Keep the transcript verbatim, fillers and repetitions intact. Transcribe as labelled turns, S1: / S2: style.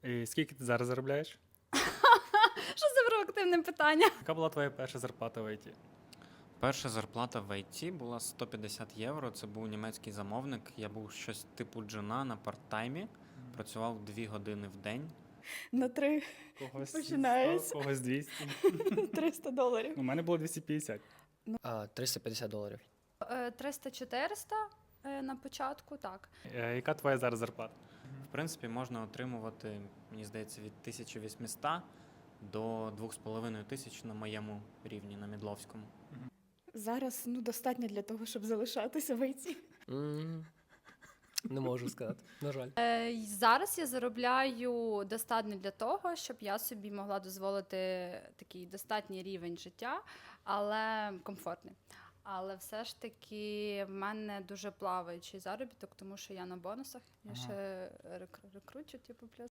S1: І скільки ти зараз заробляєш?
S2: Що за провокативне питання?
S1: Яка була твоя перша зарплата в ай ті?
S3: Перша зарплата в ай ті була сто п'ятдесят євро. Це був німецький замовник. Я був щось типу джуна на парт-таймі. Працював дві години в день.
S2: На три
S1: Когось
S2: Починається.
S1: сто, когось двісті.
S2: триста доларів.
S1: У мене було двісті п'ятдесят.
S4: А, триста п'ятдесят доларів.
S2: триста-чотириста на початку, так.
S1: Е, Яка твоя зараз зарплата?
S3: В принципі, можна отримувати, мені здається, від тисяча вісімсот до двох з половиною тисяч на моєму рівні, на Мідловському.
S2: Зараз ну, достатньо для того, щоб залишатися в ай ті.
S4: М, Не можу сказати, на жаль.
S2: Е, зараз я заробляю достатньо для того, щоб я собі могла дозволити такий достатній рівень життя, але комфортний. Але все ж таки в мене дуже плаваючий заробіток, тому що я на бонусах. Я
S1: Ага.
S2: ще рекру- рекручу, типу, плюс.